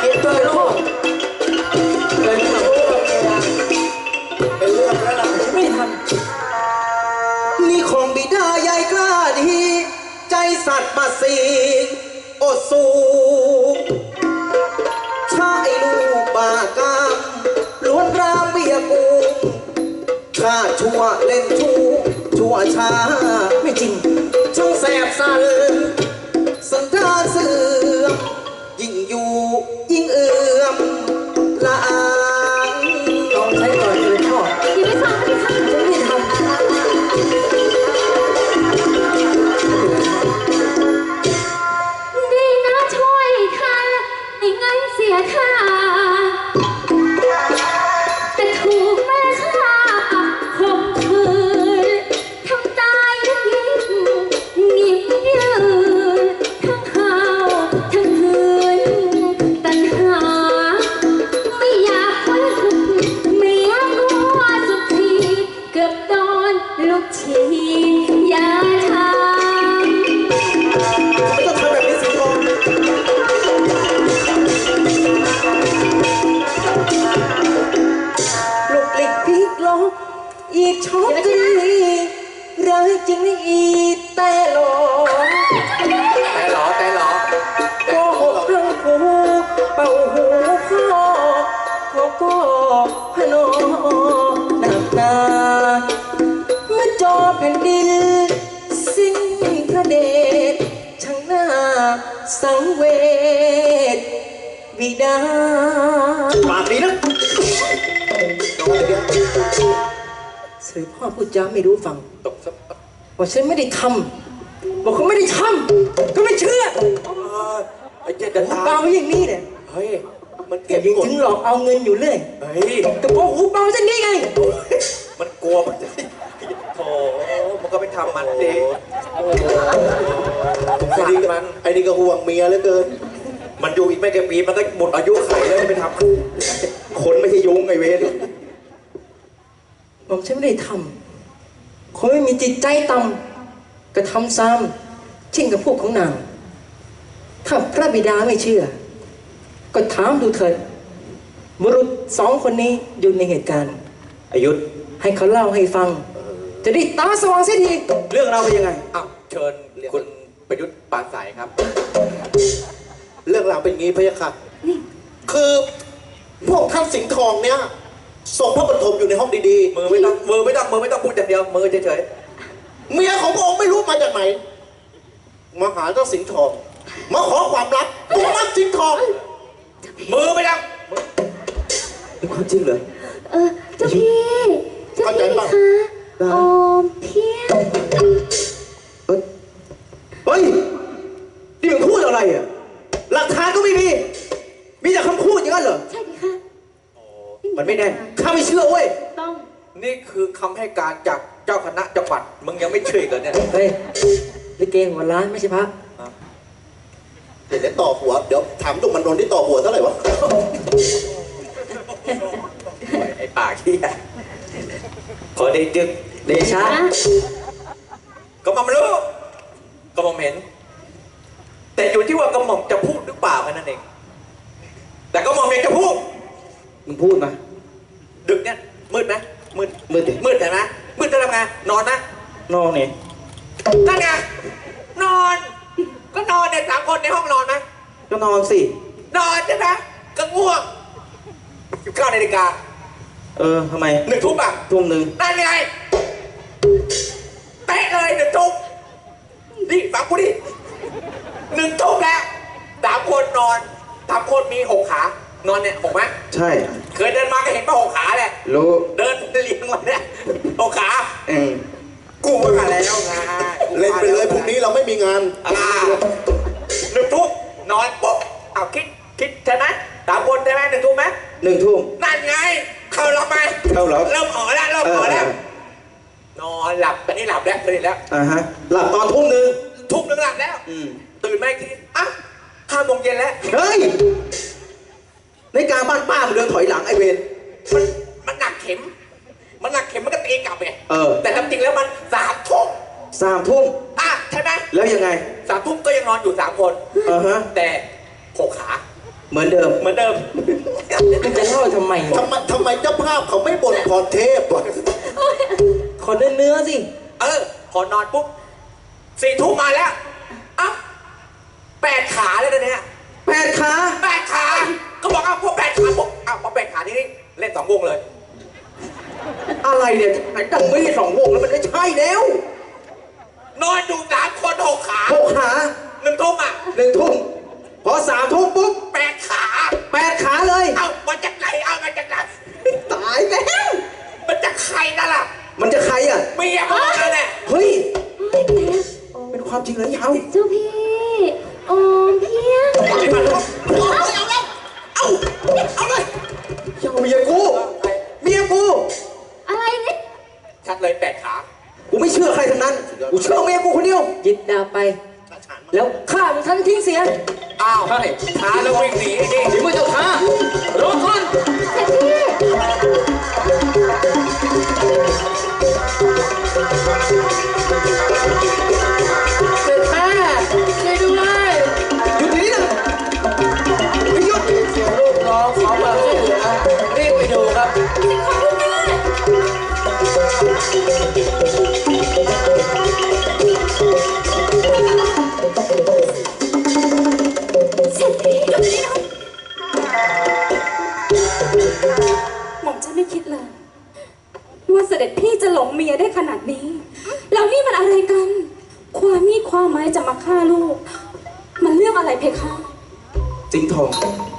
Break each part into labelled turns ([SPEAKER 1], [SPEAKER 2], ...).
[SPEAKER 1] เก็บตัวลูกเลยทำเป็นเรื่องแล้วล่ะไม่ทำนี่ของบิดาใหญ่กล้าดีใจสัตว์มาสีอดสูชายลูกบากามล้วนรามเบียกูข้าชั่วเล่นชู้ชั่วช้าไม่จริงช่างแสบสันสันดานเสื่อมยิ่งอยู่ยิ่งเอื่อมละอางต้องใช้ก่อนเลยพ่อ
[SPEAKER 2] อย่าไปฟังไม่ทำจะไม่ทำดีนะช่วยทันไม่งั้นเสียท่าแต่ถูกแม่ฆ่าข่มขืนทำตายยิ่งงิบยืนทั้งห่าวทั้งหืนตัณหาไม่อยากไว้หุ่นไม่อยากว่าสุดทีเกือบโดนลูกชีอย่าทำ
[SPEAKER 1] ไม่ต้องทำแบบนี้สิพ่อลูกเล็กพลิกล็อกอีกช็อตตีร้ายจริงอีแต่หลอกแต่หลอโกหกเรื่องหูเป่าหูพ่อก็พนอหนักหนาเมื่อจอแผ่นดินสิ้นพระเดชช่างหน้าสังเวชบิดาปากดีนะเสด็จพ่อพูดจาไม่รู้ฟังบอกฉันไม่ได้ทำบอกเขาไม่ได้ทำก็ไม่เชื่อไอ้เจ๊ดันเบาอย่างนี้เนี่ยเฮ้ยมันเก็บยิงถึงหลอกเอาเงินอยู่เรื่อยเฮ้ยแต่พอหูเบาเช่นนี้ไงมันกลัวมันโอ้มันก็ไปทำมันเองไอ้นี่ก็ห่วงเมียเหลือเกินมันอยู่อีกไม่กี่ปีมันก็หมดอายุไขแล้วจะไปทำคนไม่ใช่ยุงไอ้เวรบอกฉันไม่ได้ทำคนไม่มีจิตใจต่ำกระทำซ้ำเช่นกับพวกของนางถ้าพระบิดาไม่เชื่อก็ถามดูเถิดบุรุษสองคนนี้อยู่ในเหตุการณ์อายุธให้เขาเล่าให้ฟังจะได้ตาสว่างเสียทีเรื่องเราเป็นยังไงอ้าวเชิญคุณประยุทธ์ปานสายครับเรื่องราวเป็นงี้พะยะค่ะคือพวกท่านสิงห์ทองเนี่ยส่งพระปฐมอยู่ในห้องดีๆมือไม่ต้องพูดอย่างเดียวมือเฉยๆเมียของพระองค์ไม่รู้มาจากไหนมาหาเจ้าสิงห์ทองมาขอความรักตัวมันสิงห์ทองมือไม่ต้องเป็นความจริงเหรอ
[SPEAKER 2] เจ้าพี่คะโอมเพียง
[SPEAKER 1] เฮ้ยนี่มึงพูดอะไรอ่ะหลักฐานก็ไม่มีแต่คำพูดอย่างนั้นเหรอ
[SPEAKER 2] ใช่ไหมคะ
[SPEAKER 1] มันไม่แน่ข้าไม่เชื่อเว้ย
[SPEAKER 2] ต้อง
[SPEAKER 3] นี่คือคำให้การจากเจ้าคณะจังหวัดมึงยังไม่เชื่อกันเนี่ย
[SPEAKER 1] เฮ้ยลิเกหัวล้านไม่ใช่พระเดี๋ยวต่อหัวเดี๋ยวถามตุกมันโดนที่ต่อหัวเท่าไหร่วะ
[SPEAKER 3] ไอ้ปากที่ขอเดจึก
[SPEAKER 1] เดชะ
[SPEAKER 3] ก็มาไม่รู้ก็มองเห็นแต่อยู่ที่ว่ากระหม่อมจะพูดหรือเปล่าแค่นั้นเองแต่ก็มองเห็นจะพูด
[SPEAKER 1] มึงพูดมา
[SPEAKER 3] ดึกเนี่ยมืดไหมมืดเห็นไหมมืดจะทำไงนอนนะ
[SPEAKER 1] นอนเนี่ย
[SPEAKER 3] นั่นไงนอนก็นอนเนี่ย3 คนในห้องนอนไหม
[SPEAKER 1] ก็นอนสิ
[SPEAKER 3] นอนใช่ไหมก็ง่วง9 นาฬิกา
[SPEAKER 1] ทำไม
[SPEAKER 3] 1 ทุ่มอ่ะ
[SPEAKER 1] ทุ่ม 1
[SPEAKER 3] นั่นไงเตะเลย1 ทุ่มนี่ฟังกูดิ1 ทุ่มแล้ว3 คนนอน3 คนมี6 ขานอนเนี่ย6ไหม
[SPEAKER 1] ใช่
[SPEAKER 3] เคยเดินมาก็เห็นป่ะ6 ขาแหละ
[SPEAKER 1] รู้
[SPEAKER 3] เดินเลี้ยงมาเนี่ย6 ขากูมาแล้วไง
[SPEAKER 1] เล่นไปเลยพรุ่งนี้เราไม่มีงาน
[SPEAKER 3] 1 ทุ่มนอนปุ๊บเอาคิดใช่ไหม3 คนใช่ไหม1 ทุ่มไหม
[SPEAKER 1] 1 ทุ่ม
[SPEAKER 3] นั่นไงเข้าหลับไหม
[SPEAKER 1] เข้าหลับ
[SPEAKER 3] เริ่มอ๋อแล้วนอนหลับตอนนี้หลับแล้วตื่นแล้ว
[SPEAKER 1] หลับตอนทุ่ม 1
[SPEAKER 3] หลับแล้วตื่นมาอีกที5 โมงเย็นแล้ว
[SPEAKER 1] เฮ้ยในการบ้านป้ามันเดินถอยหลังไอเวร
[SPEAKER 3] มันหนักเข็มมันก็ตีกลับไงแต่จริงแล้วมัน3 ทุ่ม
[SPEAKER 1] 3 ทุ่ม
[SPEAKER 3] ใช่ไหม
[SPEAKER 1] แล้วยังไง
[SPEAKER 3] 3 ทุ่มก็ยังนอนอยู่3 คนแต่6 ขา
[SPEAKER 1] เหมือนเดิม
[SPEAKER 3] เหมือนเดิม
[SPEAKER 1] มันจะเล่าทำไมวะ
[SPEAKER 4] ทำไมเจ้าภาพเขาไม่บ่นพรเทพวะ
[SPEAKER 1] ขอเนื้อสิ
[SPEAKER 3] พอนอนปุ๊บ4 ทุ่มมาแล้วอ่ะ8 ขาเลยนะเนี่ย
[SPEAKER 1] 8 ขา
[SPEAKER 3] 8 ขาก็บอกพวก8 ขาบอกพอ8 ขาที่นี่เล่น2 วงเลย
[SPEAKER 1] อะไรเนี่ยไหนดังไม่ได้2 วงแล้วมันไม่ใช่แล้ว
[SPEAKER 3] นอนอยู่3 คน6 ขา
[SPEAKER 1] 6 ขา
[SPEAKER 3] 1 ทุ่มอ่ะ
[SPEAKER 1] 1 ทุ่มพอ3 ทุ่มปุ๊บ
[SPEAKER 3] 8 ขา
[SPEAKER 1] 8 ขาเลย
[SPEAKER 3] มาจากไหนมาจากไหน
[SPEAKER 1] ตายแล้ว
[SPEAKER 3] มันจากใครนั่นล่ะ
[SPEAKER 1] มันจะใครอ่ะ
[SPEAKER 3] เมียมึงนั่นแหละ
[SPEAKER 1] เฮ้ย
[SPEAKER 2] เฮ้ยแต่
[SPEAKER 1] เป็นความจริงเหรอยาว
[SPEAKER 2] เจ้าพี่โอมเพียง
[SPEAKER 3] เอาเลยเอาเลย
[SPEAKER 1] ยาวเมียกูเมียกู
[SPEAKER 2] อะไรเนี่ย
[SPEAKER 3] ชัดเลย8 ขา
[SPEAKER 1] กูไม่เชื่อใครทั้งนั้น กูเชื่อเมียกูคนเดียวยึดดาบไป แล้วฆ่ามันทันทิ้งเสีย
[SPEAKER 3] อ้าวช้าแล้ววิ่งหนีดิ
[SPEAKER 1] ถึงมือเจ้าข้ารอก่อน
[SPEAKER 2] เสร็จพี่
[SPEAKER 1] เสร็จแม่ช่วยด้วยหยุดนี้นะไม่หยุดเสียงลูกร้องขอความช่วยเหลือรีบไปดูครับ
[SPEAKER 2] สิ่งของคุณแม่เสร็จพี่หยุดนี้นะหม่อมฉันไม่คิดเลยว่าเสด็จพี่จะหลงเมียได้ขนาดนี้ แล้วนี่มันอะไรกัน ความมีความหมายจะมาฆ่าลูก มันเรื่องอะไรเพคะ
[SPEAKER 1] สิงห์ทอง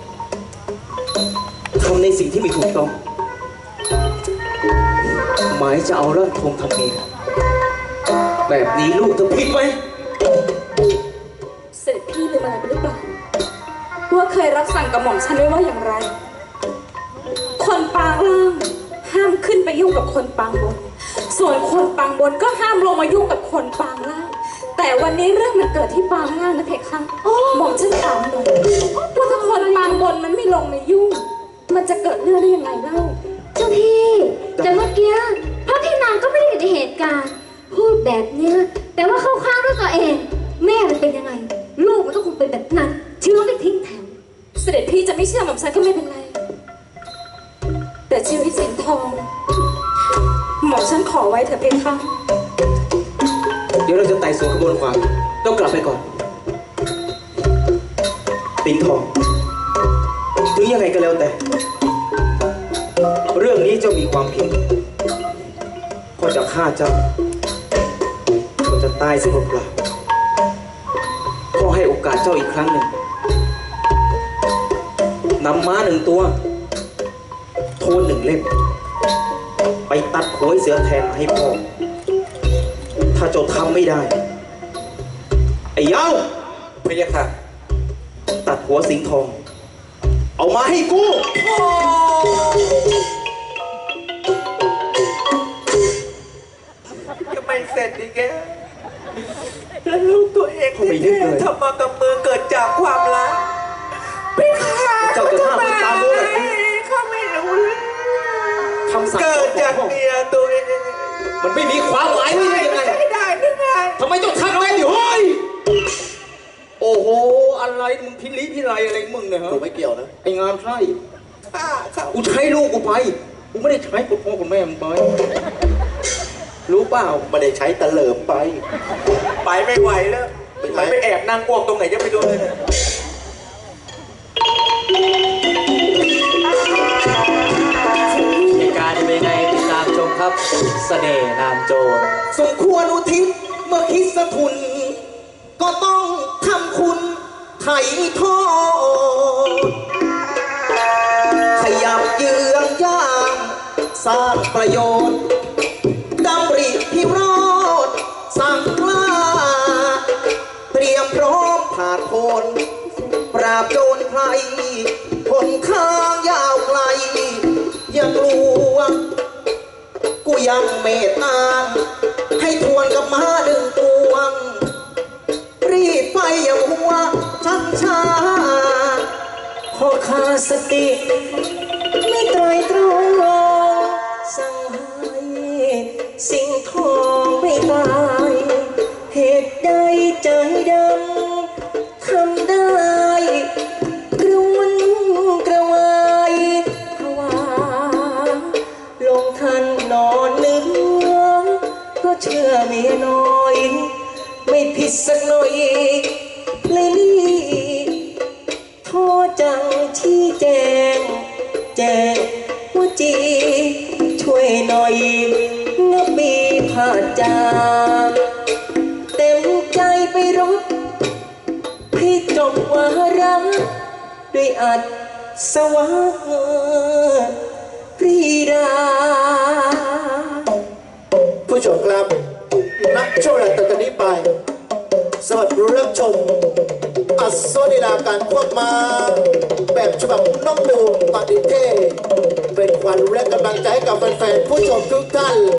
[SPEAKER 1] ทำในสิ่งที่ไม่ถูกต้อง หมายจะเอาร่างทองทำเมียแบบนี้ลูกจะผิดไหม
[SPEAKER 2] เสด็จพี่ลืมอะไรไปหรือเปล่าว่าเคยรับสั่งกับหม่อมฉันไว้ว่าอย่างไร คนปางล่างห้ามขึ้นไปยุ่งกับคนปางบน ส่วนคนปางบนก็ห้ามลงมายุ่งกับคนปางล่าง แต่วันนี้เรื่องมันเกิดที่ปางล่างนะเพคะหม่อมฉันถามหน่อยว่าถ้าคนปางบนมันไม่ลงมายุ่ง มันจะเกิดเรื่องได้ยังไงเล่า
[SPEAKER 5] เจ้าพี่ แต่เมื่อกี้พระพี่นางก็ไม่ได้อยู่ในเหตุการณ์ พูดแบบเนี้ยแต่ว่าเข้าข้างด้วยตัวเอง แม่มันเป็นยังไง ลูกมันก็คงเป็นแบบนั้นเชื่อไม่ทิ้งแถว
[SPEAKER 2] เสด็จพี่จะไม่เชื่อหม่อมฉันก็ไม่เป็นไร แต่ชีวิตสิงห์ทองหม่อมฉันขอไว้เถอะเพคะ
[SPEAKER 1] เดี๋ยวเราจะไต่สวนกระบวนความต้องกลับไปก่อนสิงห์ทอง ถึงยังไงก็แล้วแต่ เรื่องนี้เจ้ามีความผิดก็จะฆ่าเจ้าก็จะตายซึ่งเปล่าๆก็ให้โอกาสเจ้าอีกครั้งหนึ่งนำม้า1 ตัว โทน1 เล่ม ไปตัดหัวไอ้เสือแทนมาให้พ่อ ถ้าเจ้าทำไม่ได้ ไอ้เย้า
[SPEAKER 3] พะยะค่ะ
[SPEAKER 1] ตัดหัวสิงห์ทอง เอามาให้กู
[SPEAKER 3] ก็ไม่เสร็จอีกแกแล้วลูกตัวเอง
[SPEAKER 1] เขาไม่นึกเลย
[SPEAKER 3] ทำมากับมือเกิดจากความรักพี่ขา
[SPEAKER 1] เจ้าจะฆ่าคนตามรู้แบบนี้
[SPEAKER 3] เขาไม่รู้เลย
[SPEAKER 1] คำสั่ง
[SPEAKER 3] เกิดจากเมียตัวเอง
[SPEAKER 1] มันไม่มีความหมายไม่ได้ยังไง
[SPEAKER 3] ไม่ได้ไม่ได้
[SPEAKER 1] ทำไมต้องทำแบบนี้เฮ้ย โอ้โห อะไรมึงพิลิพิไรอะไรมึงเนี่ยฮะ
[SPEAKER 4] กูไม่เกี่ยวนะ
[SPEAKER 1] ไอ้งามไส้
[SPEAKER 3] ฆ่าเขา
[SPEAKER 1] กูใช้ลูกกูไป กูไม่ได้ใช้คุณพ่อคุณแม่มึงไป รู้เปล่า
[SPEAKER 4] ไม่ได้ใช้ตะเหลิมไป
[SPEAKER 3] ไปไม่ไหวแล้วมันไปแอบนั่งอ้วกตรงไหนจะไปดูเลยเนี่ย
[SPEAKER 6] เหตุการณ์จะเป็นยังไงติดตามชมครับเสน่ห์นามโจร
[SPEAKER 1] สมควรอุทิศเมื่อคิดสะทุน ก็ต้องทำคุณไถ่โทษขยับเยื้องย่างสร้างประโยชน์ดำริพิโรธสั่งกล้า เตรียมพร้อมผ่านพ้นปราบโจรใครผลข้างยาวไกล อย่ากลัว กูยังเมตตาให้ทวนกับม้า1 ตัว รีบไปอย่ามัวชักช้าขอขาดสติไม่ไตรตรองสั่งให้สิงห์ทองไม่ตาย เหตุใดใจดำทำได้กระวนจังชี้แจงแจงหัวจีช่วยหน่อยนะบีผาจาเต็มใจไปรบพี่จบวาระด้วยอัดสวะปรีดา
[SPEAKER 4] ผู้ชมครับนักโชว์แรกต่อจากนี้ไป สวัสดีรับชมอัศวลีลาการควบมาแบบฉบับน้องบูมปฏิเทศเป็นขวัญและกำลังใจให้กับแฟนๆผู้ชมทุกท่าน